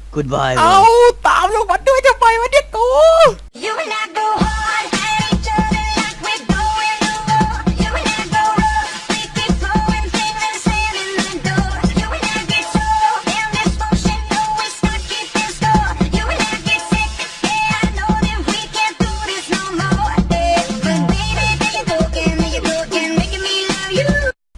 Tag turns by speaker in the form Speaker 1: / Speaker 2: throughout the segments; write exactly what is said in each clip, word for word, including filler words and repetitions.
Speaker 1: goodbye
Speaker 2: เอาตามลงมาด้วยทำไมวะเนี่ยกู
Speaker 3: You and I go hard at each other like we're going to war. You and I go rough, we keep flowing, feeling slamming the door. You and I get solo in this motion, no we start keeping score. You and I get sick, yeah I know that we can't do this no more. Yeah, but baby, then you're broken, then you're broken, making me love you.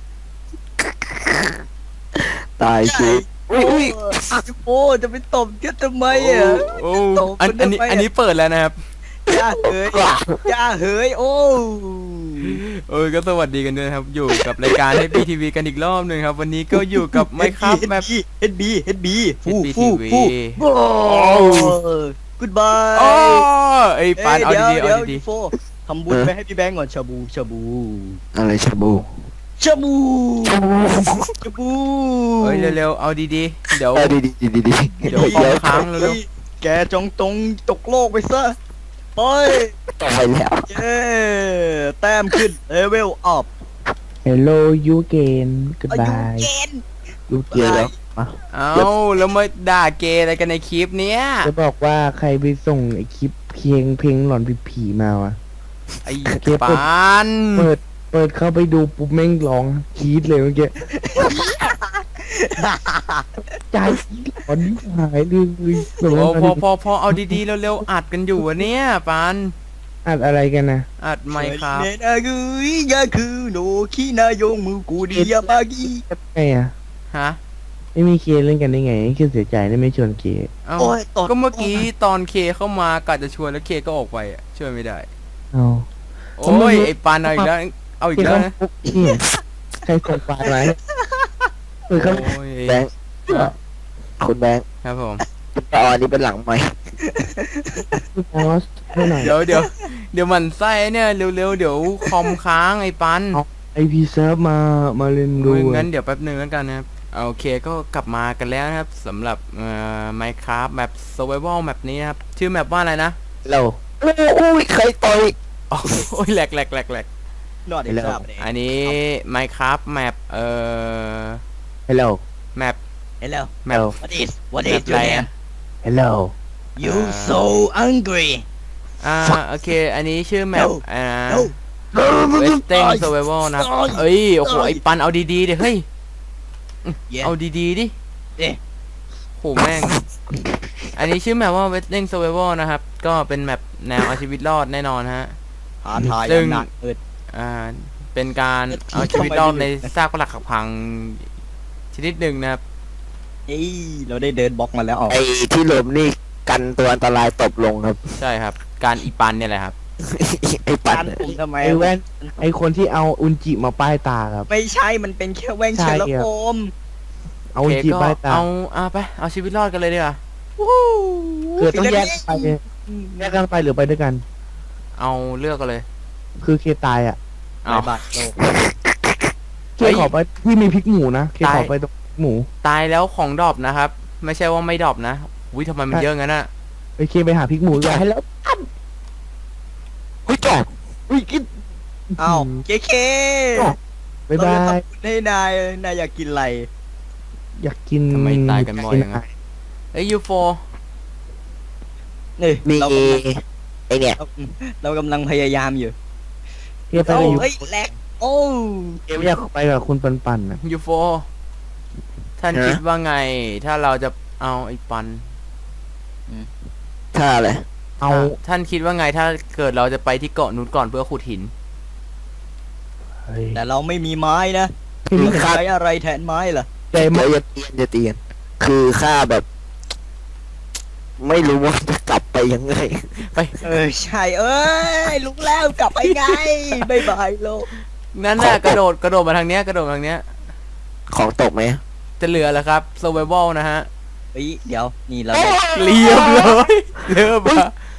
Speaker 4: ตายสิอุ้ยอุ้ย
Speaker 1: โอ้จะไปตบกันทำไมอ่ะ
Speaker 2: โอ้อันอันนี้อันนี้เปิดแล้วนะครับ
Speaker 1: ย่าเฮ้ยย่าเฮ้ยโอ้
Speaker 2: เออก็สวัสดีกันด้วยนะครับ อยู่กับรายการ เอช บี ที วี กันอีกรอบหนึ่งครับ วันนี้ก็อยู่กับไมค์ครับแบบ
Speaker 1: เฮดบีเฮดบีฟู
Speaker 2: เอช บี
Speaker 1: ฟู
Speaker 2: ที
Speaker 1: ฟู
Speaker 2: วี
Speaker 1: โอ้ goodbye
Speaker 2: อ๋อไอ้ปานเอา
Speaker 1: เดี๋ยว
Speaker 2: ดีๆ
Speaker 1: เดี๋ย
Speaker 2: เอา
Speaker 1: ว
Speaker 2: ดี
Speaker 1: โฟทำบุญไปให้พี่แบงก์ก่อนชาบูชาบู
Speaker 4: อะไรชาบู
Speaker 1: ชาบูชาบู
Speaker 2: ๆเฮ้ยเร็วๆเอาดีๆเดี๋ยว
Speaker 4: เออดีดีดีดีดี
Speaker 2: เดี๋ยวคอมค้างเร็ว
Speaker 1: แกจงตรงตกโลกไปซะไป
Speaker 4: ต่อไปแล้ว
Speaker 1: เย้แต้มขึ้นเลเวลอัพ
Speaker 5: Hello you again
Speaker 1: อายุ
Speaker 5: goodbye
Speaker 1: เกณฑ์
Speaker 5: you
Speaker 4: เดี๋ยว
Speaker 5: again
Speaker 4: แล้วมา
Speaker 2: ๆเอาแล้วมาด่าเกย์อะไรกันในคลิปเนี้ย
Speaker 5: จะบอกว่าใครไปส่งไอคลิปเพลงเพลงหลอนผีๆมาวะ
Speaker 2: ไอ้
Speaker 5: เกย์เปิด
Speaker 2: ปาน
Speaker 5: เปิดเปิดเข้าไปดูปุ๊บแม่งร้องกรี๊ดเลยเมื่อกี้ใจหลอนหายเลยแบบ
Speaker 2: โอ้
Speaker 5: ว่า
Speaker 2: พอพอพอเอาดีๆเร็วๆอัดกันอยู่อะเนี่ยปาน
Speaker 5: อัดอะไรกันนะ
Speaker 2: อัดไมค์ครับ
Speaker 1: เนนากุยยาคือโนคินายงมูกูดิยาบากิ
Speaker 5: ไงอะ
Speaker 2: ฮะ
Speaker 5: ไม่มีเคเล่นกันได้ไงคือเสียใจได้ไม่ชวนเค
Speaker 2: เอ้า
Speaker 1: โอ้ยตด
Speaker 2: ก็เมื่อกี้ตอนเคเข้ามากะจะชวนแล้วเคก็ออกไปอ่ะช่วยไม่ได้
Speaker 5: เอา
Speaker 2: โอ้ยไอ้ปานเอาอีกแล้วเอาอีก
Speaker 5: เค
Speaker 2: แล้ว
Speaker 5: เขา
Speaker 2: นะ
Speaker 5: ปุ๊บนี่ใครส่งปลาไหมเปิดเข้า
Speaker 2: โอ้ย
Speaker 4: แบงค์คุณแบงค์
Speaker 2: ครับผม
Speaker 4: ตอนนี้เป็นหลังไหม
Speaker 5: พอสให้หน่อย
Speaker 2: เดี๋ยวเดี๋ยวเดี๋ยวมันไส้เนี่ยเร็วๆเดี๋ยวคอมค้างไอ้ปัน
Speaker 5: ไอพีเซิร์ฟมามาเล่นดู
Speaker 2: งั้นเดี๋ยวแป๊บหนึงแล้วกันนะครับโอเคก็กลับมากันแล้วนะครับสำหรับเอ่อ Minecraft แมป Survival แมปนี้นะครับชื่อแมปว่าอะไรนะ
Speaker 4: เราอุ้ยใครต่อย
Speaker 2: อ๋อโอ้ยแหลกแหลกแหลกแหลก
Speaker 1: นอดอีกครับ
Speaker 2: อันนี้ Minecraft แมปเอ่อ
Speaker 5: ฮัลโหล
Speaker 2: แมป
Speaker 1: เห็นแล้ว
Speaker 2: แมป
Speaker 1: what is what
Speaker 2: แม
Speaker 1: is
Speaker 2: ป
Speaker 1: your
Speaker 2: อะไร
Speaker 1: name
Speaker 2: อะ
Speaker 5: ฮัลโหล
Speaker 1: you so angry
Speaker 2: อ่าโอเค อันนี้ชื่อแมป
Speaker 1: No
Speaker 2: อ่า
Speaker 1: no
Speaker 2: Western Survival นะครับ
Speaker 1: ตาย
Speaker 2: เอ้ยโอ้โหไอ้ปันเอาดีๆดิเฮ้ย
Speaker 1: Yeah
Speaker 2: เอาดีๆดิ
Speaker 1: เอ๊ะ
Speaker 2: โหแม่ง อันนี้ชื่อแมปว่า Western Survival นะครับ ก็เป็นแมปแนวเอาชีวิตรอดแน่นอนฮะ
Speaker 1: หาทาย
Speaker 2: ซึ่ง
Speaker 1: หนักเอิด
Speaker 2: อ่า เป็นการเอาชีวิตรอดในซากปรักหักพังชนิดหนึ่งนะครับ
Speaker 1: เอ้ยเราได้เดินบล็อกมาแล้วอ๋อ
Speaker 4: ไอ้ที่หลบนี่กันตัวอันตรายตบลงครับ
Speaker 2: ใช่ครับ การอีปันเนี่ยแหละครับ
Speaker 4: ไอ้ปัน
Speaker 1: การผมทำไม
Speaker 5: ไอแว่นไอคนที่เอาอุนจิมาป้ายตาครับ
Speaker 1: ไม่ใช่มันเป็นแค่แว่ง
Speaker 5: ใช่
Speaker 1: เชล
Speaker 5: ครับ
Speaker 1: โฟม
Speaker 5: เอา
Speaker 2: โอ
Speaker 5: อุน
Speaker 2: เค
Speaker 5: จิ
Speaker 2: ก็
Speaker 5: ป้ายตา
Speaker 2: เอาอ่าไป เอาชีวิตรอดกันเลยดีกว่า
Speaker 5: คือต้องแยกไปแยกกันไปหรือไปด้วยกัน
Speaker 2: เอาเลือกกันเลย
Speaker 5: คือเคตายอ่ะ
Speaker 2: เอา
Speaker 1: บาทโลก
Speaker 5: เคขอไปที่มีพริกหมูนะเค
Speaker 2: ตาย
Speaker 5: ขอไปตรงพริกหมู
Speaker 2: ตายแล้วของดรอปนะครับ ไม่ใช่ว่าไม่ดรอปนะอุ้ยทำไมมันเยอะงั้นอะ
Speaker 5: ไปเคไปหาพริกหมูก่อนให้แล้ว
Speaker 4: เฮ้ยจอด
Speaker 5: อุ้ยกิน
Speaker 1: อ้าวเคเค
Speaker 5: บ๊าย
Speaker 1: เรา
Speaker 5: บา
Speaker 1: จะ
Speaker 5: ย
Speaker 1: ทำบุญให้นายนายอยากกินอะไร
Speaker 5: อยากกิน
Speaker 2: ทำไมตายกันบ่อยอย่างนั้นเอ้ยยูโฟ
Speaker 1: นี่
Speaker 4: มี
Speaker 1: เรากำลัง
Speaker 4: ไอเนี่ย
Speaker 1: เราเรากำลังพยายามอยู่
Speaker 5: เคไป
Speaker 1: เอ้า
Speaker 5: กับยู
Speaker 1: เฮ้ยแลกโอ้
Speaker 5: เคอยากไปกับคุณปันปันนะ
Speaker 2: ยูโฟท่านคิดว่าไง ถ้าเราจะเอาไอ้ปัน
Speaker 4: ท่าอะไร
Speaker 5: เอา
Speaker 2: ท่านคิดว่าไงถ้าเกิดเราจะไปที่เกาะนู้นก่อนเพื่อขุดหิน
Speaker 5: เฮ้ย
Speaker 1: แต่เราไม่มีไม้นะ
Speaker 5: พี่มี
Speaker 1: ใช้อะไรแทนไม้ล่ะ
Speaker 5: ใจ
Speaker 4: เดี๋
Speaker 5: มาย ก
Speaker 4: วอย่าเตียนอย่าเตียน คือข้าแบบ ไม่รู้ว่าจะกลับไปยังไง
Speaker 2: ไป
Speaker 1: เออใช่เอ้ยลุกแล้วกลับไปไงบายบายโลก
Speaker 2: นั่นน่ะกระโดดกระโดดมาทางเนี้ยกระโดดมาทางเนี้ย
Speaker 4: ของตกไหม
Speaker 2: จะเหลือแล้วครับ survival นะฮะ
Speaker 1: เฮ้ยเดี๋ยวนี่เรา
Speaker 2: เรียบเลยเริ่มอะ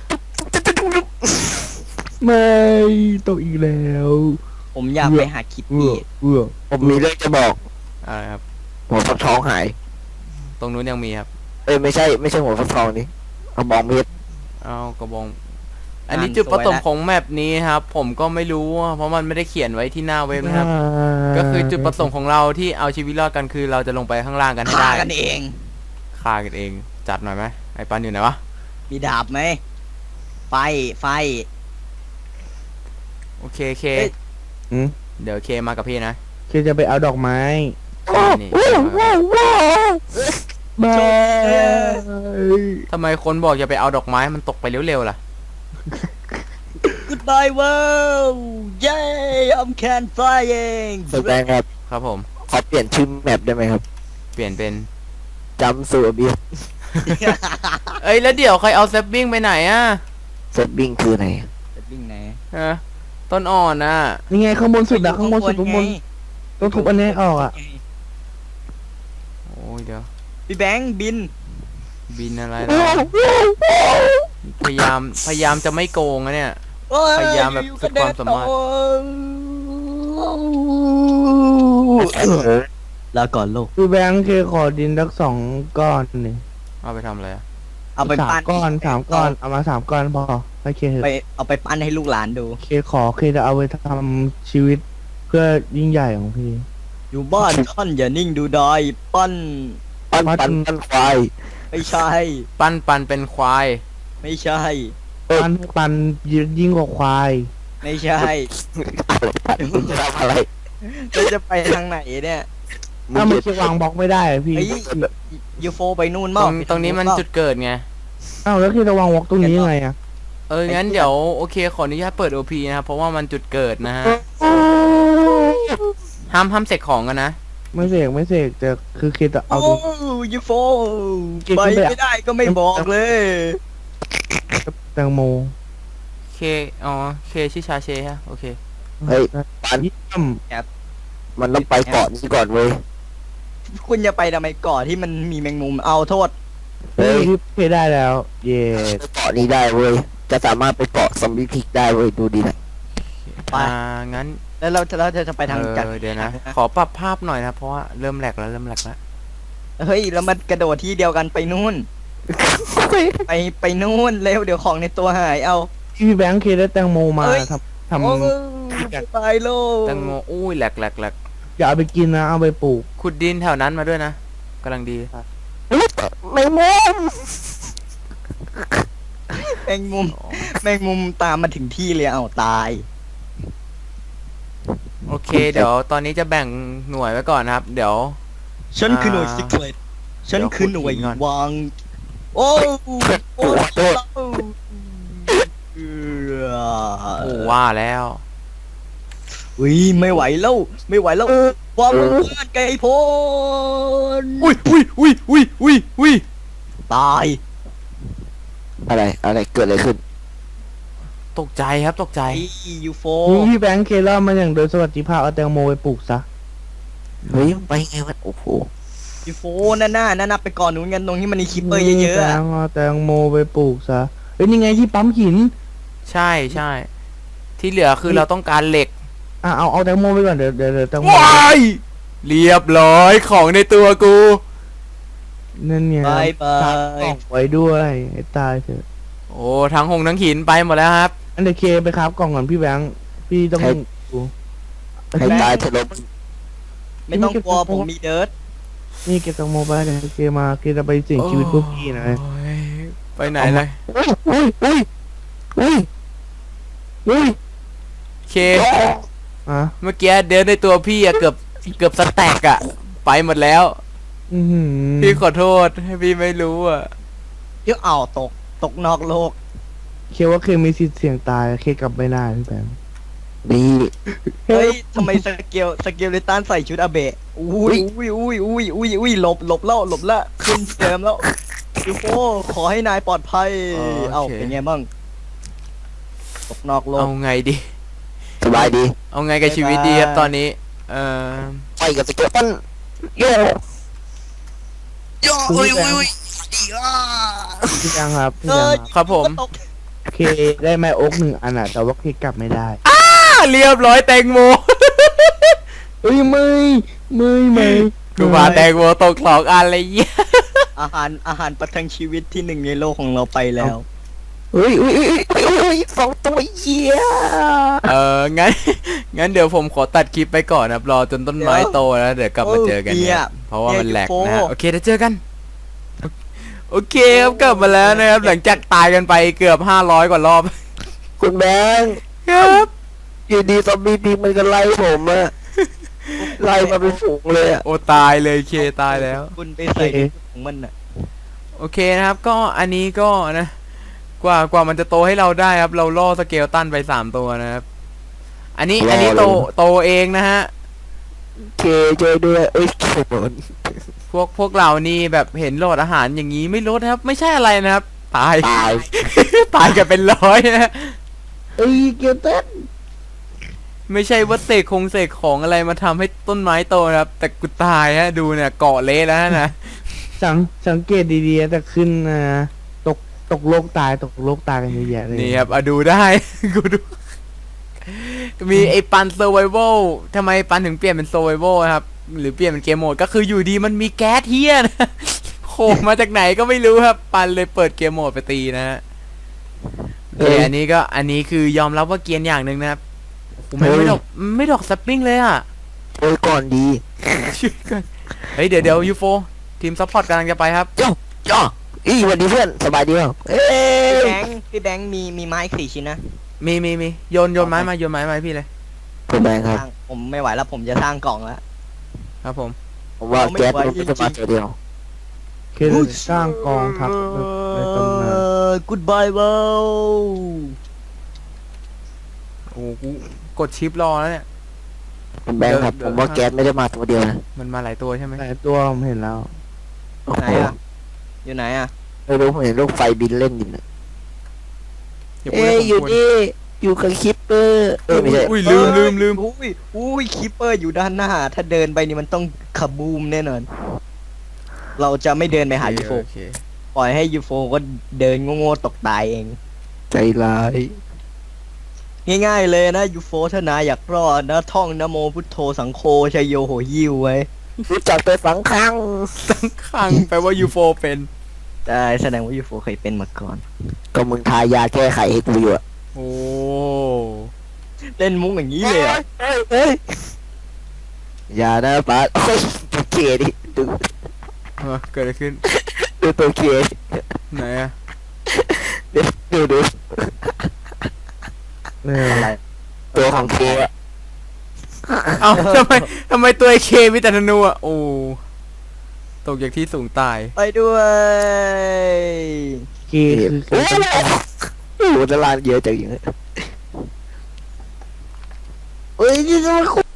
Speaker 5: ไม่ตกอีกแล้ว
Speaker 1: ผมอยากไปหาคิด
Speaker 5: เอื้
Speaker 1: ดี
Speaker 5: อเอื้อ
Speaker 4: ผมมีเรื่องจะบอก
Speaker 2: อะไรครับ
Speaker 4: หัวฟักทองหาย
Speaker 2: ตรงนู้นยังมีครับ
Speaker 4: เอ้ยไม่ใช่ไม่ใช่หัวฟักทองนี่เอามองเพชร
Speaker 2: เอากระบอง อันนี้จุดประสงค์ของแมปนี้ครับ ผมก็ไม่รู้เพราะมันไม่ได้เขียนไว้ที่หน้าเว็บนะครับ ก็คือจุดประสงค์ของเราที่เอาชีวิตรอดกันคือเราจะลงไปข้างล่างกันให้
Speaker 1: ฆ่า
Speaker 2: ได้
Speaker 1: กันเอง
Speaker 2: ฆ่ากันเองจัดหน่อยไหมไอ้ปันอยู่ไหนวะ
Speaker 1: มีดาบไหมไฟไฟ
Speaker 2: โอเคเค
Speaker 1: เอ้ย
Speaker 5: อืม
Speaker 2: เดี๋ยวเคมากับพี่นะ
Speaker 5: เคจะไปเอาดอกไม้
Speaker 2: นี่
Speaker 5: บาย
Speaker 2: ทำไมคนบอกจะไปเอาดอกไม้มันตกไปเร็วๆล่ะ
Speaker 1: Goodbye world Yay I'm can flying
Speaker 4: แสดงครับ
Speaker 2: ครับผม
Speaker 4: ขอเปลี่ยนชื่อแมปได้ไหมครับ
Speaker 2: เปลี่ยนเป็น
Speaker 4: จำสูเบีย
Speaker 2: เอ้ยแล้วเดี๋ยวใครเอาแซปบิ้งไปไหนอ่ะ
Speaker 4: เซตบิ้งคือไหน
Speaker 1: จะวิ่งไหน
Speaker 2: ฮะต้นอ่อนอ่ะ
Speaker 5: นี่ไงข้างบนสุดอะข้างบนสุดข้างบน
Speaker 1: ไง
Speaker 5: ต้องทุบอันนี้ออกอะ
Speaker 2: โอ้ยเดี๋ยว
Speaker 1: พี่แบงค์บิน
Speaker 2: บินอะไรนะพยายามพยายามจะไม่โกงอะเนี่ย
Speaker 1: โอ้
Speaker 2: พยายามแบบสุดความสามารถ
Speaker 1: แล้วก่อนโลก
Speaker 5: คือแบงค์เคขอดินสักสองก้อนหนึ่ง
Speaker 2: เอาไปทำอะไรอะ
Speaker 1: เอาไป
Speaker 5: สาม
Speaker 1: ปั้น
Speaker 5: ก้อนสามก้อนเอามาสามก้อนพอให้เคเถ
Speaker 1: ไป
Speaker 5: อะ
Speaker 1: เอาไปปั้นให้ลูกหลานดู
Speaker 5: เคขอเคจะเอาไปทำชีวิตเพื่อยิ่งใหญ่ของพี่
Speaker 1: อยู่บ้านท่านอย่านิ่งดูดอยปั้น
Speaker 4: ปั้นปั้นปั้นควาย
Speaker 1: ไม่ใช่
Speaker 2: ปั้นปันเป็นควาย
Speaker 1: ไม่ใช่
Speaker 5: ปันปันยิ่งกว่าควาย
Speaker 1: ไม่ใช่
Speaker 4: อะไรปั้นมึงจะทำอะไร
Speaker 1: เราจะไปทางไหนเนี่ย
Speaker 4: มึง
Speaker 5: ถ้ามัน
Speaker 4: จะ
Speaker 5: เควางบล็อกไม่ได้อะพี่
Speaker 1: เฮ้ยยูโฟไปนู่น
Speaker 2: ต
Speaker 1: มั้
Speaker 2: รง งตรงนี้มันจุดเกิดไง
Speaker 5: อ้าวแล้วเคจะวางบล็อกตรงนี้ยังไงอะ
Speaker 2: เอองั้นเดี๋ยวโอเคขออนุญาตเปิด โอ พี นะครับเพราะว่ามันจุดเกิดนะฮะห้ามห้ามเสกของกันนะ
Speaker 5: ไม่เสกไม่เสกแต่คือเคจะเอา
Speaker 1: โอ้
Speaker 5: ตรง
Speaker 1: ยูโฟ
Speaker 5: เก่ง
Speaker 1: ไป
Speaker 5: ขึ้นไปอะ
Speaker 1: ไม่ได้ก็ไม่บอกเลย
Speaker 5: แตงโม
Speaker 2: เคอ๋อเคชื่อชาเชฮะโอเค
Speaker 4: เฮ้ยปั้น
Speaker 5: เยี่ยม
Speaker 4: มันต้องไปเกาะนี้ก่อนเว้ย
Speaker 1: คุณจะไปทำไมก่อนที่มันมีแมงมุมเอาโทษ
Speaker 4: เฮ้ย
Speaker 5: พี่เคได้แล้ว เย่
Speaker 4: ไปเกาะนี้ได้เว้ย จะสามารถไปเกาะซอมบี้พิกได้เว้ย ดูดีนะ
Speaker 1: ไป
Speaker 2: อ่างั้น
Speaker 1: แล้วเราจะเราจะจะไปทาง
Speaker 2: เอ
Speaker 1: จาก
Speaker 2: อเดี๋ยวนะ ขอปรับภาพหน่อยนะเพราะว่าเริ่มแหลกแล้วเริ่มแหลกแล้ว
Speaker 1: เฮ้ยแล้วมันกระโดดที่เดียวกันไปนู่น ไปไปนู่นเร็วเดี๋ยวของในตัวหายเอา
Speaker 5: พี่แบงค์เคได้แตงโมมา
Speaker 1: เอ้ย
Speaker 5: ทำทำ
Speaker 1: โอ้ไปโลก
Speaker 2: แตงโมอุ้ยแหลกแหลกแหลก
Speaker 5: อย่าเอาไปกินนะเอาไปปลูก
Speaker 2: ขุดดินแถวนั้นมาด้วยนะกำลังดี
Speaker 4: แมงมุม
Speaker 1: แมงมุมแมงมุมตามมาถึงที่เลยเอาตาย
Speaker 2: โอเค เดี๋ยวตอนนี้จะแบ่งหน่วยไว้ก่อนนะครับ เดี๋ยว
Speaker 1: ฉันคือหน่วย
Speaker 2: อ่า
Speaker 1: ซิกเลตฉันคือหน่วย
Speaker 2: เดี๋ยวขุดหินก่อน
Speaker 1: วาง โอ้โอ้
Speaker 4: โทษ
Speaker 1: เอ
Speaker 2: โอ้
Speaker 1: อ
Speaker 2: ว่าแล้ว
Speaker 1: อุ้ยไม่ไหวแล้วไม่ไหวแล้วความเพื่อนไกลโพ้น
Speaker 2: อุ้ยอุ้ยอุ้ยอุ้ยอุ้ยอุ้ย
Speaker 1: ตาย
Speaker 4: อะไร อะไร เกิดอะไรขึ้น
Speaker 2: ตกใจครับตกใจ
Speaker 1: ไอ้ยูโฟ
Speaker 5: พี่แบงค์เคล่ามันอย่างโดยสวัสดิภาพเอาแตงโมไปปลูกซะ
Speaker 4: เฮ้ย ไปไงวะ โอ้โห
Speaker 1: ยูโฟนั่นน่ะนั่นน่ะไปก่อนนู้นกันตรงที่มันมีคิปเปอร์เยอะๆ
Speaker 5: แต
Speaker 1: อะ
Speaker 5: งเอาแตงโมไปปลูกซะเอ้ยนี่ไงที่ปั๊มหิน
Speaker 2: ใช่ใช่ที่เหลือคือเราต้องการเหล็ก
Speaker 5: อ่ะเอาเอาแตงโมไปก่อนเดี๋ยวเดี๋ยวเดี๋ยวแตงโม
Speaker 2: ว้ายเรียบร้อยของในตัวกู
Speaker 5: นั่นเนี่ย
Speaker 1: บายบา
Speaker 5: ซักกล่
Speaker 1: ย
Speaker 5: องไว้ด้วยให้ตายเถอะ
Speaker 2: โอ้ทั้งหงทั้งหินไปหมดแล้วครับ
Speaker 5: อันเดยวเคไปครับกล่องก่อนพี่แบงค์พี่ต้อง
Speaker 4: ให้
Speaker 5: ดู
Speaker 4: ให้ตายเถอะลบ
Speaker 1: ไม่ต้องกลัวผมมีเดิร์ด
Speaker 5: นี่เก็บแตงโมไปเดี๋ยวเคมาเคจะไปเสี่ยงชีวิตพวกพี่นะ
Speaker 2: โอ้ยไปไหนเลย
Speaker 4: อุ้ยอุ้ยอุ้ยอุ้ย
Speaker 2: เค
Speaker 5: อ่ะ
Speaker 2: เมื่อกี้เดินในตัวพี่อะเกือบเกือบสแต็กอะไปหมดแล้ว
Speaker 5: อือหือ
Speaker 2: พี่ขอโทษให้พี่ไม่รู้อะ
Speaker 1: เดี๋ยวเอาตกตกนอกโลก
Speaker 5: เคว่าเคมีสิทธิ์เสี่ยงตายเคกลับไม่ได้พี่แบงค์
Speaker 4: ดี
Speaker 1: เฮ้ยทำไมสเกลสเกลเลตันใส่ชุดอาเบะอุ้ยอุ้ยอุ้ยอุ้ยอุ้ยอุ้ยหลบหลบแล้วหลบแล้วขึ้นเติมแล้วยูโฟขอให้นายปลอดภัยเอ้าเป็นไงบ้างตกนอกโล
Speaker 2: เอา
Speaker 1: ก
Speaker 2: ไงดี
Speaker 4: สบายดี
Speaker 2: เอาไงกับชีวิตดีครับตอนนี้ เออ
Speaker 4: ไปกับสเกลตันโยโยอุ้ยอุ้ยอุ้ยดีอ่ะ
Speaker 5: พี่แบงค์ครับพี่
Speaker 1: เอ
Speaker 5: แบง
Speaker 1: อ
Speaker 5: ค์ครับ
Speaker 2: ครับผม
Speaker 1: ตก
Speaker 5: เคได้ไม้โอ๊กหนึ่งอันอ่ะแต่ว่าเคกลับไม่ได้
Speaker 2: อ่าเรียบร้อยแตงโม
Speaker 5: เอ้ยไม่ไม่ไม่
Speaker 2: กูมาแตงโมตกสองอันเลยเยี่ย
Speaker 1: อาหารอาหารประทังชีวิตที่หนึ่งในโลกของเราไปแล้ว
Speaker 4: อุ้ยอุ้ยอุ้ยอุ้ยอุ้ยอุ้ยสองตัวเหี้ย
Speaker 2: เอองั้น งั้นเดี๋ยวผมขอตัดคลิปไปก่อนนะครับรอจนต้นไม้โตแล้วเดี๋ยวกลับมาเจอกัน
Speaker 1: โอ้เหี้
Speaker 2: เนี่ย ยเพราะว่ามันแหลกนะฮะโอเคเดี๋ยวเจอกัน โอโอเคครับกลับมาแล้วนะครับ หลังจากตายกันไปเกือบห้าร้อยกว่ารอบ
Speaker 4: คุณแบงค์
Speaker 2: ครับ
Speaker 4: อยู่ดีซอมบี้พิงมันก็ไล่ผมอะไล่มาเป็นฝูงเลยอะ
Speaker 2: โอ้ตายเลยเคตายแล้ว
Speaker 1: คุณไปใส่ในชุดของมันน่ะ
Speaker 2: โอเคนะครับ ก็อันนี้ก็นะ กว่ากว่ามันจะโตให้เราได้ครับ เราล่อสเกลตันไปสามตัวนะครับ อันนี้อันนี้โตโตเองนะฮะ
Speaker 4: เคช่วยด้วยเอ้ยโขน
Speaker 2: พวกพวกเรานี่แบบเห็นโหลดอาหารอย่างนี้ไม่ลดนะครับ ไม่ใช่อะไรนะครับ ตาย
Speaker 4: ตาย
Speaker 2: ตายกันเป็นร้อยนะ
Speaker 5: เอ้ยเกียวเต้น
Speaker 2: ไม่ใช่ว่าเสกคงเสกของอะไรมาทำให้ต้นไม้โตนะครับ แต่กูตายฮะดูเนี่ยเกาะเละแล้วนะ
Speaker 5: สังสังเกตดีๆแต่ขึ้นนะตกตกโลกตายตกโลกตายกันเยอะแยะเลย
Speaker 2: นี่ครับอะดูได้ กูดู มีไอ้ปัน survival ทำไมปันถึงเปลี่ยนเป็น survival ครับ หรือเปลี่ยนเป็นเกมโหมดก็คืออยู่ดีมันมีแก๊สเฮียนะโผล่มาจากไหนก็ไม่รู้ครับ ปันเลยเปิดเกมโหมดไปตีนะฮะโอเคอันนี้ก็อันนี้คือยอมรับว่าเกรียนอย่างหนึ่งนะครับผมไม่ไม่ดอกไม่ดอกสปริงเลยอ่ะ
Speaker 4: โอ้ยก่อนดี
Speaker 2: ช่วยกันเฮ้ยเดี๋ยวเดี๋ยวยูโฟทีมซัพพอร์ตกำลังจะไปครับ
Speaker 4: ย่อย่ออีสวันดีเพื่อนสบายดีเปล่าเอ้
Speaker 1: พี่
Speaker 4: ย
Speaker 1: แบงค์พี่แบงค์มีมีไม้อีกสี่ชิ้นนะ
Speaker 2: มีมีมีโยนโยนไม้มาโยนไม้มาให้พี่เลย
Speaker 4: คุณแบงค์ครับ
Speaker 1: สร้างผมไม่ไหวแล้วผมจะสร้างกล่องแล้ว
Speaker 2: ครับผม
Speaker 4: ผมว่าแก๊สมันไม่จะมาตัวเดียว
Speaker 5: คือสร้างกองทัพแบบในตำนาน
Speaker 1: กูดบายเว้า
Speaker 2: โอ้กูกดชิปรอแล้วเนี่ย
Speaker 4: คุณแบงค์ครับ
Speaker 2: เดี๋
Speaker 4: ผ
Speaker 2: ยว
Speaker 4: มว่าแก๊สไม่ได้มาตัวเดียวนะ
Speaker 2: มันมาหลายตัวใช่ไหม
Speaker 5: หลายตัวผมเห็นแล้ว
Speaker 4: โอ้
Speaker 1: ไหน
Speaker 4: โห
Speaker 1: อ่ะอยู่ไหนอ่ะ
Speaker 4: ไม่รู้ผมเห็นลูกไฟบินเล่นอยู่นะ
Speaker 2: อย่าพูด
Speaker 4: เอ้ย
Speaker 2: ให้ผม
Speaker 4: อยู่
Speaker 2: กลัว
Speaker 4: นี่อยู่กับคิปเปอร์เออไม่ใช่
Speaker 2: อุ้ยลืมลืมลืม
Speaker 1: อุ้ยอุ้ยคิปเปอร์อยู่ด้านหน้า ถ้าเดินไปนี่มันต้องขบูมแน่นอน เราจะไม่เดินไปหายูโฟ
Speaker 2: โอเค
Speaker 1: ปล่อยให้ยูโฟก็เดินโง่ๆตกตายเอง
Speaker 4: ใจร้าย
Speaker 1: ง่ายๆเลยนะยูโฟถ้านายอยากรอดนะท่องนะโมพุทโธสังโฆชัยโยโหยิวไว้
Speaker 4: รู้จักแต่สังขัง
Speaker 2: ตั้งขังแปลว่ายูโฟเป็น
Speaker 1: ได้แสดงว่ายูโฟเคยเป็นมาก่อน
Speaker 4: ก็มึงทายาแก้ไขให้กูอยู่อะ
Speaker 2: โอ้
Speaker 1: เล่นมุ้งอย่างนี้เลยเหรอ
Speaker 4: เฮ้ยเฮ้ยอย่านะป้าโอ้ยตัวเคดิดู
Speaker 2: เออเกิดอะไรขึ้น
Speaker 4: ดูตัวเคดิ
Speaker 2: ไหนอะ
Speaker 4: ดูดูดู
Speaker 5: เออ
Speaker 1: อะไร
Speaker 4: ตัวของเคอะ
Speaker 2: เอ้าทำไมทำไมตัวไอเคมีแต่ธนูอะโอ้ตกจากที่สูงตาย
Speaker 1: ไปด้วย
Speaker 5: เกย์คือ
Speaker 4: โอ้โหโอ้โหตลาดเยอะจังอย่างเงี้ยเฮ้ยนี่จะมาคุย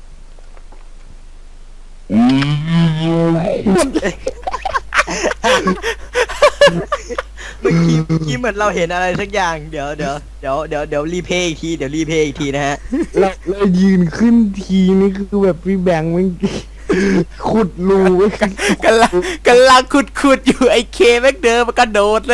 Speaker 1: เมื่อกี้เมื่อกี้เหมือนเราเห็นอะไรสักอย่างเดี๋ยวเดี๋ยวเดี๋ยวเดี๋ยวเดี๋ยวรีเพย์อีกทีเดี๋ยวรีเพย์อีกทีนะฮะ
Speaker 5: เราเรายืนขึ้นทีนี่คือแบบพี่แบงค์มัน ขุดรูไว้
Speaker 2: กำลังกำลังขุดขุดอยู่ไอเคแม่งเดินมากระโดดเลย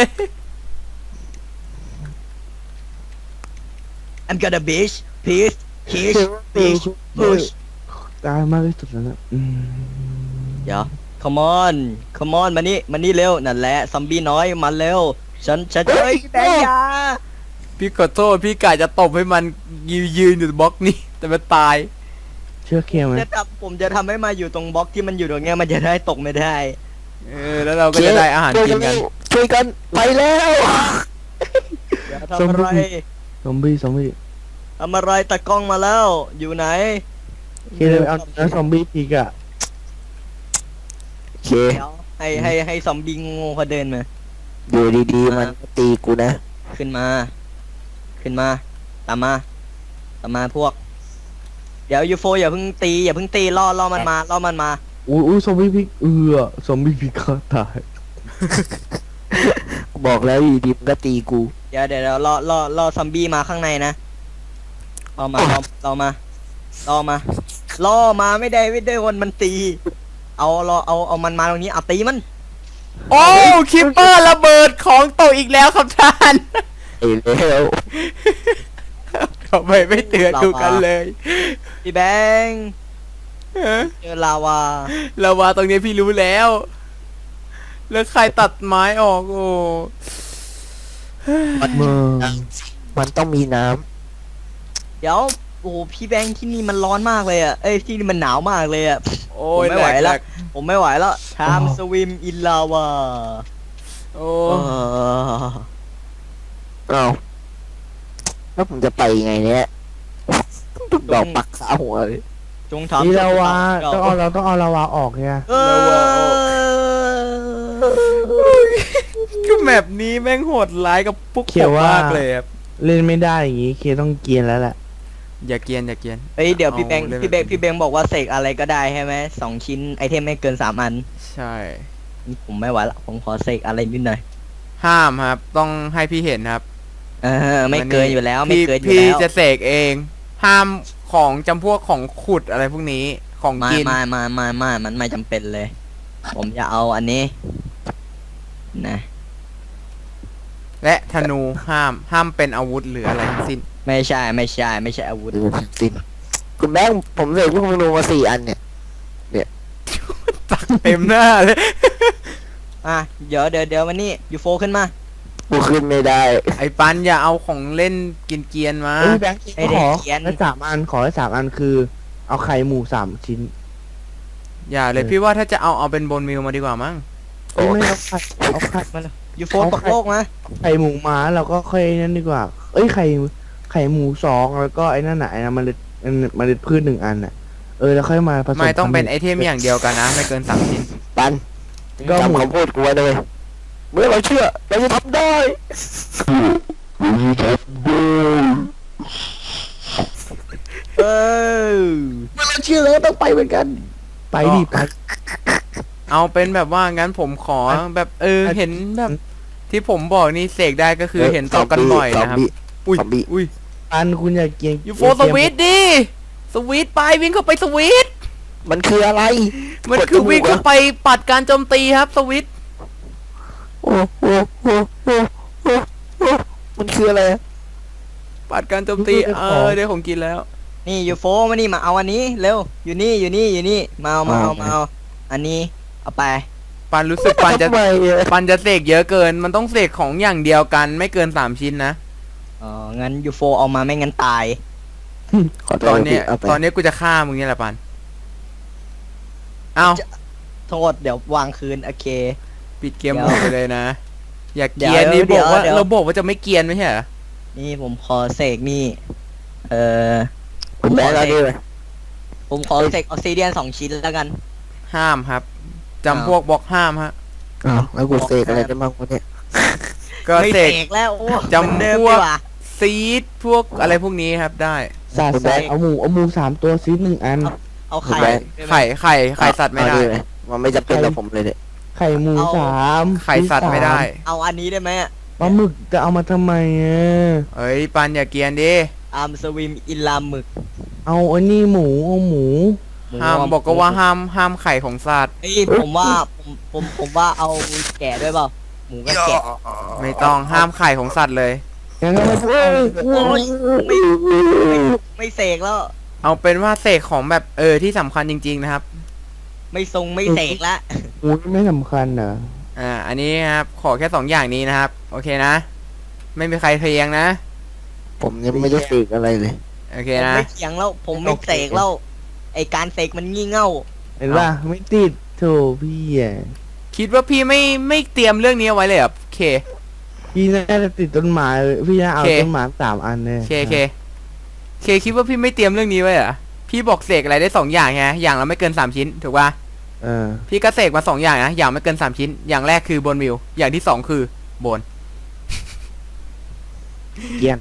Speaker 1: I'm gonna bitch peace kiss bitch push
Speaker 5: ตายมากที่สุดแล้วนะอืม
Speaker 1: เดี๋ยว come on come on มานี่มานี่เร็วนั่นแหละซอมบี้น้อยมาเร็วฉันฉันเฮ้ยแบงค์อยา
Speaker 2: พี่ขอโทษพี่กะจะตบให้มันยืนยืนอยู่บล็อกนี้ แต่มันตาย
Speaker 5: เชื่อเคลียร์ไหม
Speaker 1: จะทำผมจะทำให้มาอยู่ตรงบล็อกที่มันอยู่ตรงเนี้ยมันจะได้ตกไม่ได้
Speaker 2: เออแล้วเราก็จะได้อาหารกินกัน
Speaker 4: ช่วยกันไปแล้ว
Speaker 1: เดี๋ยวทำอะไร
Speaker 5: ซอมบี้ซอมบี้
Speaker 1: ทำอะไรตะกล้องมาแล้ว อยู่ไหน
Speaker 5: เคลียร์เอาเนื้อซอมบี้พีกอะ
Speaker 4: โอเค
Speaker 1: เดี๋ยวให้ให้ให้ซอมบี้โง่เขาเดินมา
Speaker 4: อยู่ดีๆมันก็ตีกูนะ
Speaker 1: ขึ้นมา ขึ้นมา ตามมา ตามมาพวก เดี๋ยวยูโฟอย่าเพิ่งตีอย่าเพิ่งตีล่อล่อมันมาล่อมันมา
Speaker 5: อุ้ยอุ้ยซอมบี้พีกเออซอมบี้พีกก็ตาย
Speaker 4: บอกแล้วอยู่ดีมันก็ตีกู
Speaker 1: เดี๋ยวเดี๋ยวเดี๋ยวล่อล่อล่อซอมบี้มาข้างในนะล่อมาล่อล่อมาล่อมาล่อมาไม่ได้ไม่ได้วันมันตี เอาล่อเอาเอามันมาตรงนี้เอาตีมัน
Speaker 2: โอ้คิปเปอร์ระเบิดของตกอีกแล้วครับท่าน
Speaker 4: ไอ้แล้ว
Speaker 2: ทำไมไม่เตือนดูกันเลย
Speaker 1: พี่แบงค์
Speaker 2: เออ
Speaker 1: เจอลาวา
Speaker 2: ลาวาตรงนี้พี่รู้แล้ว แล้วใครตัดไม้ออกโอ้
Speaker 5: เมือง
Speaker 4: มันต้องมีน้
Speaker 1: เดี๋ยวโอ้โหพี่แบงค์ที่นี่มันร้อนมากเลยอ่ะเอ้ยที่นี่มันหนาวมากเลยอ่ะ
Speaker 2: โอ้ย
Speaker 1: ผมไม่ไหว
Speaker 2: แก
Speaker 1: แล้ว
Speaker 2: ก
Speaker 1: ผมไม่ไหวแล้ว time swim in lava
Speaker 2: โอ้
Speaker 1: เออ
Speaker 4: เอาแล้วผมจะไปยังไงเนี่ยดอกปักขาหัวเลย
Speaker 1: จงทำ
Speaker 5: นี่ลาวา
Speaker 1: เจ้
Speaker 5: ต้องเอาเราต้องเอาลาวาออกเนี่ย
Speaker 1: เออ
Speaker 2: คือแมปนี้แม่งโหดร้ายกับพวกผมมากเลยครับ
Speaker 5: เล่นไม่ได้อย่างงี้เคต้องเกรียนแล้วแหละ
Speaker 2: อย่าเกรียนอย่าเกรียน
Speaker 1: เฮ้ยเดี๋ยวพี่แบงค์
Speaker 2: เอาเลย
Speaker 1: พี่แบงค์พี่แบงค์บอกว่าเสกอะไรก็ได้ใช่ไหมสองชิ้นไอเทมไม่เกินสามอัน
Speaker 2: ใช่
Speaker 1: นี่ผมไม่ไหวละผมขอเสกอะไรนิดหน่อย
Speaker 2: ห้ามครับ ต้องให้พี่เห็นครับ
Speaker 1: เออไม่เกินอยู่แล้วไม่
Speaker 2: พี่
Speaker 1: เกินอยู่
Speaker 2: พี่
Speaker 1: แล้ว
Speaker 2: จะเสกเอง ห้ามของจำพวกของขุดอะไรพวกนี้ของ
Speaker 1: มา
Speaker 2: กิน
Speaker 1: มามามามามันไม่จำเป็นเลย ผมจะเอาอันนี้นะ
Speaker 2: และธนูห้ามห้ามเป็นอาวุธหรืออะไรทั้งสิ้น
Speaker 1: ไม่ใช่ไม่ใช่ไม่ใช่อาวุธ
Speaker 4: ดูสิคุณแม่งผมเสกลูกธนูมาสี่อันเนี่ย
Speaker 2: ตักเต็มหน้าเลย
Speaker 1: อ่ะเดี๋ยวเดี๋ยวเดี๋ยววันนี้ยูโฟขึ้นมา
Speaker 4: กูขึ้นไม่ได้
Speaker 2: ไอ้ปันอย่าเอาของเล่นกินเกรียนๆมา
Speaker 5: เอ้ยแบงค์
Speaker 1: ไอ้
Speaker 5: ข
Speaker 1: เด็ก
Speaker 5: อ
Speaker 1: เขียน
Speaker 5: ได้สามอันขอได้สามอันคือ เอาไข่หมูสามชิ้น
Speaker 2: อย่าเลยพี่ว่าถ้าจะเอาเอาเป็นบนมิวมาดีกว่ามั้ง
Speaker 4: โอ้
Speaker 5: ไม่เอาไข่เอาไข่
Speaker 1: มาเลยยูโฟ
Speaker 5: เอา
Speaker 1: ตก
Speaker 5: ไข่
Speaker 1: โลกนะ
Speaker 5: ไข่หมูมาเราก็ค่อยนั่นดีกว่า เอ้ยไข่ไข่หมูสองแล้วก็ไอ้นั่นน่ะไอ้นั่นมันเมล็ดพืชหนึ่งอันน่ะเออแล้วค่อยมาผสม
Speaker 2: ไม่ต้องเป็นไอ
Speaker 5: พัธุ์
Speaker 2: เทมอย่างเดียวกันนะ ไม่เกินสามชิ้น
Speaker 4: ปัน
Speaker 5: ก็หมู
Speaker 4: จำคำพูดกูไว้เลย เมื่อเราเชื่อ เราจะทำได้
Speaker 1: เออ
Speaker 5: เมื่อเราเชื่อแล้วต้องไปเหมือนกัน ไปดิไป
Speaker 2: เอาเป็นแบบว่างั้นผมขอแบบเออเห็นแบบที่ผมบอกนี่เสกได้ก็คือเห็นต่อกันบ่อยนะครับ อุ้ย
Speaker 4: ซอมบี้
Speaker 2: อุ้ย
Speaker 5: ปันคุณอย่าเกรียง
Speaker 2: ยูโฟสวิตดิสวิตไปวิ่งเข้าไปสวิต
Speaker 4: มันคืออะไร
Speaker 2: มันคือวิ่งเข้าไปปัดการโจมตีครับสวิต
Speaker 4: โอ้โหโอ้โหโอ้โหมันคืออะไรอะ
Speaker 2: ปัดการโจมตีเออได้ของกินแล้ว
Speaker 1: นี่ยูโฟมานี่มาเอาอันนี้เร็วอยู่นี่อยู่นี่อยู่นี่มาเอามาเอามาเอาอันนี้เอาไป
Speaker 2: ปันรู้สึกปันจะ
Speaker 4: ทำไมอะ
Speaker 2: ปันจะเสกเยอะเกิน มันต้องเสกของอย่างเดียวกันไม่เกินสามชิ้นนะ
Speaker 1: อ๋องั้นยูโฟเอามาไม่งั้นตาย
Speaker 4: ขอโท
Speaker 2: ต
Speaker 4: ษ
Speaker 2: อนเนี้ย
Speaker 4: พี่าไป
Speaker 2: ตอนเนี้ยกูจะฆ่ามึงเนี่ยแหละปัน เอา
Speaker 1: โทษเดี๋ยววางคืนโอเค
Speaker 2: ปิดเกม
Speaker 1: เดี๋
Speaker 2: ห
Speaker 1: ยว
Speaker 2: มดไปเลยนะ อย่าเก
Speaker 1: เดี๋
Speaker 2: รี
Speaker 1: ยวย
Speaker 2: นนี่
Speaker 1: เดี๋
Speaker 2: บ
Speaker 1: ย
Speaker 2: อ
Speaker 1: ว
Speaker 2: กว่า
Speaker 1: เดี๋ยว
Speaker 2: เราบอกว่าจะไม่เกรียนไม่ใช่เหรอ
Speaker 1: นี่ผมขอเสกนี่ เออ
Speaker 4: คุณแม่ก็ด้วย
Speaker 1: ผมขอเสกออกซิเดียนสองชิ้นแล้วกัน
Speaker 2: ห้ามครับจำ
Speaker 1: อ้าว
Speaker 2: พวกบล็อกห้ามฮะ
Speaker 4: อ้าวแล้วกูเสกอะไรได้บ้างวะเนี่ย
Speaker 2: ก็
Speaker 1: ไม่
Speaker 2: เส
Speaker 1: เส
Speaker 2: ก
Speaker 1: กแล้วโอ้
Speaker 2: จำ
Speaker 1: เหมือนเดิม
Speaker 2: พว
Speaker 1: ดี
Speaker 2: ก
Speaker 1: กว่า
Speaker 2: ซีดพวกอะไรพวกนี้ครับได้
Speaker 5: สาดใส่เอาหมูเอาหมูสามตัวซีหนึ่งอัน
Speaker 1: เอาไข่
Speaker 4: ไข่
Speaker 1: ด้หม
Speaker 2: ไข่ไข่ไข่สัตว์ไม่ได้
Speaker 4: เอาเลยมันไม่จำเป็นกับผมเลยเนี่ย
Speaker 5: ไข่หมู
Speaker 1: เอา
Speaker 5: สาม
Speaker 2: ไข่สัตว์ไม่ได้
Speaker 1: เอาอันนี้ได้ไหมอะ
Speaker 5: ปลาหมึกจะเอามาทำไมอ่ะ
Speaker 2: เอ้ยปันอย่าเกรียนดิ
Speaker 1: อาร์มสวิมอินลามหมึก
Speaker 5: เอาอันนี้หมูเอาหมู
Speaker 1: หมู
Speaker 2: ห้ามบอกก็ว่าห้ามห้ามไข่ของสัตว์
Speaker 1: เฮ้ยผมว่าผมผมผมว่าเอาแกะด้วยเปล่าหมูกับแกะ
Speaker 2: ไม่ต้องห้ามไข่ของสัตว์เลย
Speaker 5: งั้นก็ไม่ต้องเอา
Speaker 1: โอ้ยไม่ไม่ไม่เสกแล้ว
Speaker 2: เอาเป็นว่าเสกของแบบเออที่สำคัญจริง ๆนะครับ
Speaker 1: ไม่ทรงไม่เสกละ
Speaker 5: หมูไม่สำคัญเหรอ
Speaker 2: อ่า อันนี้ครับขอแค่สองอย่างนี้นะครับ โอเคนะ ไม่มีใครเทียงนะ
Speaker 4: ผมยังไม่ได้เสกอะไรเลย
Speaker 2: โอเค
Speaker 1: ผม
Speaker 2: นะ
Speaker 1: ไม่เถียงแล้ว ผมไม่เสกแล้วไอการเสกมันงี่เง่า
Speaker 5: เห็นป่ะไม่ติดโถพี่อ่ะ
Speaker 2: คิดว่าพี่ไม่ไม่เตรียมเรื่องนี้เอาไว้เลยเหรอโอเค
Speaker 5: พี่น่าจะติดต้นไม้เลยพี่น่าเอา
Speaker 2: โอเค
Speaker 5: ต้นไม้สามอันเลย
Speaker 2: โอเคโอเคโอเคคิดว่าพี่ไม่เตรียมเรื่องนี้ไว้เหรอพี่บอกเสกอะไรได้สองอย่างไงอย่างละไม่เกินสามชิ้นถูกป่ะ
Speaker 5: เออ
Speaker 2: พี่ก็เสกมาสองอย่างนะอย่างไม่เกินสามชิ้น อย่างแรกคือบนวิวอย่างที่สองคือโบน
Speaker 5: เกรียน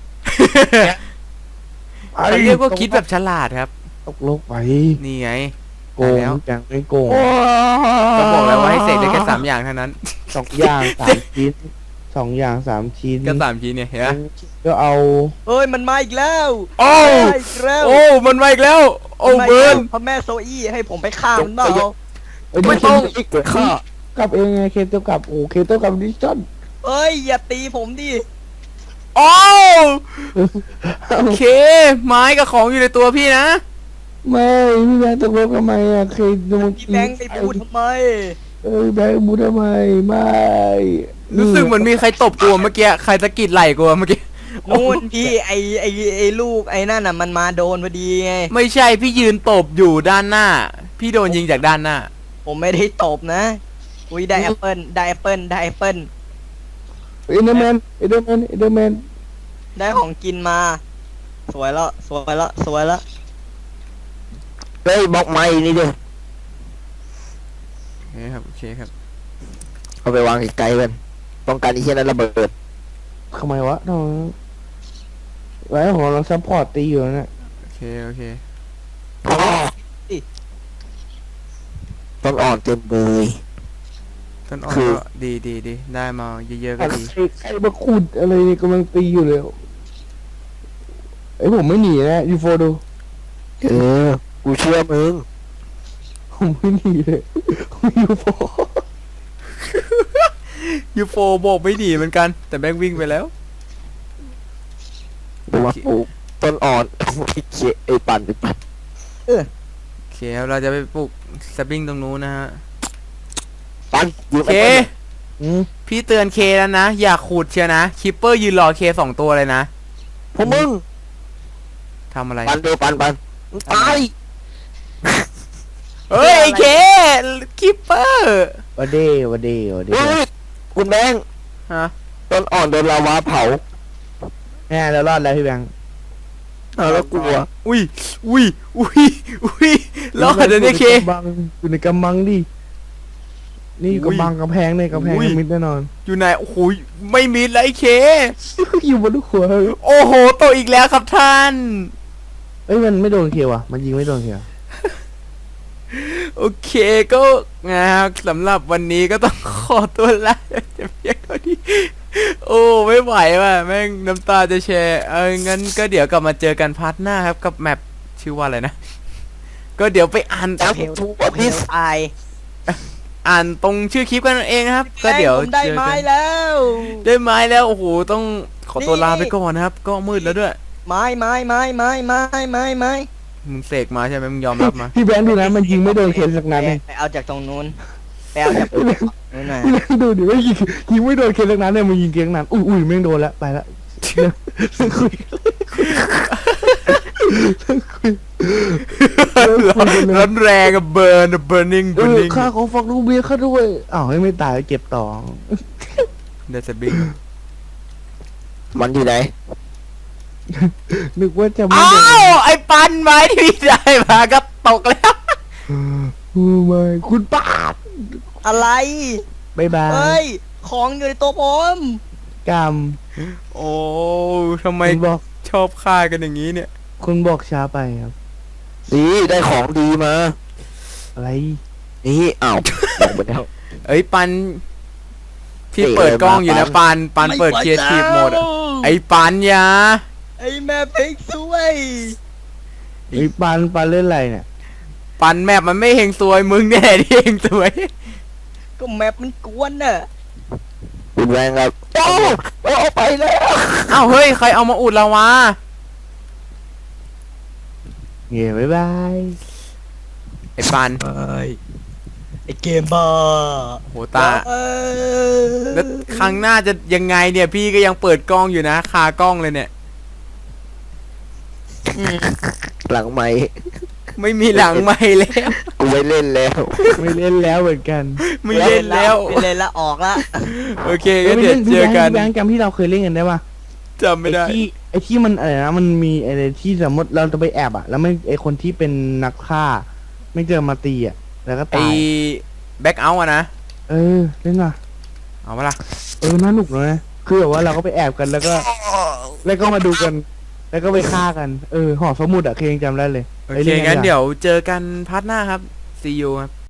Speaker 2: เขาเรียกว่าคิดแบบฉลาดครับ
Speaker 5: ตกโลกไป
Speaker 2: นี่ไง
Speaker 5: โกง
Speaker 2: แล้ว
Speaker 5: จังไม่โกง
Speaker 2: ก็บอกแล้วว่าให้เสกได้แค่สามอย่างเท่านั้น
Speaker 5: สองอย่างสามชิ้นสองอย่างสามชิ้น
Speaker 2: ก็สามชิ้นเนี่ยเห็นไหม
Speaker 5: ก็เอา
Speaker 1: เอ้ยมันมาอีกแล้ว
Speaker 2: โอ้
Speaker 1: มาอีกแล้ว
Speaker 2: โอ้มันมาอีกแล้ว โอ้
Speaker 1: มา
Speaker 2: เบิร์น
Speaker 1: พระแม่โซอี้ให้ผมไปฆ่ามันเปล่า
Speaker 5: เอ้ย
Speaker 2: ไม่ต้อง
Speaker 4: อีกเกิดข้อก
Speaker 5: ลับเองไงเคโตกลับโอ้เคโตกลับดิจิตอล
Speaker 1: เอ้ยอย่าตีผมดิ
Speaker 2: โอ้โอเค ไม้กับของอยู่ในตัวพี่นะ
Speaker 5: ไม่พี่แบงค์ตกลงทำไมอ่ะเคยโดน
Speaker 1: พี่แบงค์ไปพูดทำไม
Speaker 5: เอ้ยแบงค์บูทำไมไม่
Speaker 2: รู้สึกเหมือนมีใครตบกูเมื่อกี้ใครตะกิดไหล่กูเมื่อกี้
Speaker 1: นู่นพี่ไอไอไอลูกไอนั่นน่ะมันมาโดนพอดีไง
Speaker 2: ไม่ใช่พี่ยืนตบอยู่ด้านหน้า พี่โดนยิงจากด้านหน้า
Speaker 1: ผมไม่ได้ตบนะอุ้ยได้แอปเปิลได้แอปเปิลได้แอปเปิล
Speaker 5: เอเดอร์แมนเอเดอร์แมนเอเดอร์แมน
Speaker 1: ได้ของกินมา สวยแล้วสวยแล้วสวยแล้ว
Speaker 4: เฮ้ยบล็อกไม้นี่ดิ
Speaker 2: โอเคครับโอเคครับ
Speaker 4: เอาไปวางไกลๆกันป้องกันไอ้เหี้ยนั้นระเบิด
Speaker 5: ทำไมวะทำไมไว้ของเราซัพพอร์ตตีอยู่นะ
Speaker 2: โอเคโอเค
Speaker 4: อ๋อต้องอ่อนเต็มเลย
Speaker 2: ต้นอ่อน
Speaker 4: คือ
Speaker 2: ก็ดีดีดีได้มาเยอะๆก็ดี
Speaker 5: ใครใครมาขุดอะไรเนี่ยกำลังตีอยู่เลยไอ้ยผมไม่หนีนะยูโฟดู
Speaker 4: เออกูเชื่อมึง
Speaker 5: ผมไม่หนีเลยยูโฟ
Speaker 2: ยูโฟบอกไม่ดีเหมือนกัน แต่แม่งวิ่งไปแล้ว
Speaker 4: กูว่าปลูกต้นอ่อนไอ้เหี้ยไอ้ปั่นไอ้ปั่น
Speaker 2: โอเคครับเราจะไปปลูกสปริงตรงนู้นนะฮะ
Speaker 4: ปั่นยื
Speaker 2: โอ
Speaker 4: ม
Speaker 2: เค
Speaker 4: ไอ้ปั่น
Speaker 5: อืม
Speaker 2: พี่เตือนเคแล้วนะ อย่าขูดเชียวนะคิปเปอร์ยืนรอเคสองตัวเลยนะ
Speaker 4: พวกมึง
Speaker 2: ทำอะไร
Speaker 4: ปั่นเดียวปั่นปั่นมึงตาย
Speaker 2: เฮ้ยไอ้เคคิปเปอร์
Speaker 5: วันเดย์วันเดย์วันเด
Speaker 4: เฮ้
Speaker 5: ย์
Speaker 4: ยคุณแบงค์
Speaker 2: ฮะ
Speaker 4: ต้นอ่อนโดนลาวาเผา
Speaker 5: แน่แล้วรอดแล้วพี่แบงค์
Speaker 4: เอาแล้วกลัว
Speaker 2: อุ้ยอุ้ยอุ้ยอุ้ยรอดเลยเนี่ยเค
Speaker 5: อยู่ในกำบังอยู่ในกำบังดินี่อยู่
Speaker 2: อุ้ย
Speaker 5: กำบังกำแพงในกำแพง
Speaker 2: อุ้ย
Speaker 5: มิดแน่นอน
Speaker 2: อยู่ไหนโอ้โหไม่มีเลยไอ้เค
Speaker 5: อยู่บนลูกหัว
Speaker 2: โอ้โหโตอีกแล้วครับท่าน
Speaker 5: เอ้ยมันไม่โดนเคียวอ่ะมันยิงไม่โดนเคียว
Speaker 2: โอเคก็นะครับสำหรับวันนี้ก็ต้องขอตัวลาจะเพียงเท่านี้โอ้ไม่ไหวว่ะแม่งน้ำตาจะแชร์เอองั้นก็เดี๋ยวกลับมาเจอกันพาร์ทหน้าครับกับแมปชื่อว่าอะไรนะ ก็เดี๋ยวไปอ่าน
Speaker 4: แล้ว
Speaker 1: เพล
Speaker 4: ทู
Speaker 1: เพ
Speaker 4: พิ
Speaker 1: ล
Speaker 4: ส
Speaker 1: ตาย
Speaker 2: อ่านตรงชื่อคลิปกันเองนะครับ ก็เดี๋ยว
Speaker 1: ผมได้
Speaker 2: เจอ
Speaker 1: ไม้
Speaker 2: กัน
Speaker 1: แล้ว
Speaker 2: ได้ไม้แล้วโอ้โหต้องขอตัว
Speaker 1: นี่
Speaker 2: ลาไปก่อนนะครับ ก็มืดแล้วด้วย
Speaker 1: ไม้ไม้ไม้ไม้ไม้ไม้ไม้
Speaker 2: มึงเสกมาใช่ไหมมึงยอมรับมา
Speaker 5: พี่แบงค์ดูนะมันยิงไม่โดนเคนสักนัดเลย
Speaker 1: ไปเอาจากตรงนู้นไปเอาจากนู้นหน่อย
Speaker 5: พี่แบงค์ดูดิว่ายิงยิงไม่โดนเคนสักนัดเนี่ยมันยิงเคนสักนัดอุ้ยอุ้ยแม่งโดนแล้วไปละเลิกคุยเลิกคุยเลิกคุยกันเลย
Speaker 2: ร้อนแรงอะเบิร์นเบิร์นิ่ง
Speaker 5: เอ
Speaker 2: เบิร์
Speaker 5: อ
Speaker 2: นิ่ง
Speaker 5: ค่าของฟักลูกเบี้ยค่าด้วยอ้าวให้ไม่ตายเก็บต่อ
Speaker 2: เดซบิง
Speaker 4: มันอยู่ไหน
Speaker 5: นึกว่าจะไม่
Speaker 2: อ้า
Speaker 5: โดน
Speaker 2: วไอ้ปันไม้ที่พี่ได้มาก็ตกแล้ว
Speaker 5: โอ้ไม่คุณป้าด
Speaker 1: อะไร
Speaker 5: บายบา
Speaker 1: เฮ้
Speaker 5: ย
Speaker 1: ย ของอยู่ในตัวผม
Speaker 5: กรรม
Speaker 2: โอ้ทำไม
Speaker 5: คุณบอก
Speaker 2: ชอบฆ่ากันอย่างนี้เนี่ย
Speaker 5: คุณบอกช้าไปครับ
Speaker 4: ดีได้ของดีมา
Speaker 5: อะไร
Speaker 4: นี่อ้าวลงไปแล้ว
Speaker 2: เอ้ยปันพี่
Speaker 4: เตะ
Speaker 2: เปิดกล้อง
Speaker 4: เลยมา
Speaker 2: อยู่นะ
Speaker 4: ปั
Speaker 2: ปั
Speaker 4: น
Speaker 2: นปันเปิด
Speaker 1: ไม่
Speaker 2: เคียร์ทีฟ
Speaker 1: ไหว
Speaker 2: โหมดอะ
Speaker 1: แล้ว
Speaker 2: ไอ้ปันอยา
Speaker 1: ไอ้แม่พริกสวย
Speaker 5: ไอ้ปานปานเล่นอะไรเนี่ย
Speaker 2: ปันแมปมันไม่เฮงซวยมึงเนี่ยที่เฮงซวย
Speaker 1: ก็แมปมันกวนน่ะ
Speaker 4: คุณแบงค์ครับโอ้โอ้ไปแล้ว
Speaker 2: อ้าวเฮ้ยใครเอามาอุดเราวะ
Speaker 5: เงี้ยบายบาย
Speaker 2: ไอ้ปัน
Speaker 1: ไอ้ไอ้เกมบ้า
Speaker 2: โหตา
Speaker 1: เออ
Speaker 2: แล้วครั้งหน้าจะยังไงเนี่ยพี่ก็ยังเปิดกล้องอยู่นะคากล้องเลยเนี่ย
Speaker 4: หลังไม้
Speaker 2: ไม่มีหลังไม่แล้ว
Speaker 4: กูไม่เล่นแล้ว
Speaker 5: ไม่เล่นแล้วเหมือนกัน
Speaker 2: ไม่เล่นแล้ว
Speaker 1: ไม่เล่นแล้วออกละ
Speaker 2: โอเคงั้นเดี๋ยวเจอกัน
Speaker 5: พี่แบงค์จำที่เราเคยเล่นกันได้ปะ
Speaker 2: จำไม่ได้
Speaker 5: ไอ้ที่ไอ้ที่มันอะไรนะมันมีอะไรที่สมมติเราจะไปแอบอะแล้วไม่ไอ้คนที่เป็นนักฆ่า ไม่เจอมาตีอะแล้วก็
Speaker 2: ไอ้
Speaker 5: ตาย
Speaker 2: แบ็กเอาท์อะนะ
Speaker 5: เออเล่นว่ะ
Speaker 2: เอามาละ
Speaker 5: เออน่าหนุกเลยนะคือแบบว่าเราก็ไปแอบกันแล้วก็ แล้วก็มาดูกัน แล้วก็ไปฆ่ากันเออหอสมุดอะเคยยังจำได้เลย
Speaker 2: โอ
Speaker 5: ไป
Speaker 2: เค
Speaker 5: ล่กั
Speaker 2: งั้น
Speaker 5: ดีกว่า
Speaker 2: เดี๋ยวเจอกันพาร์ทหน้าครับ see you ครับ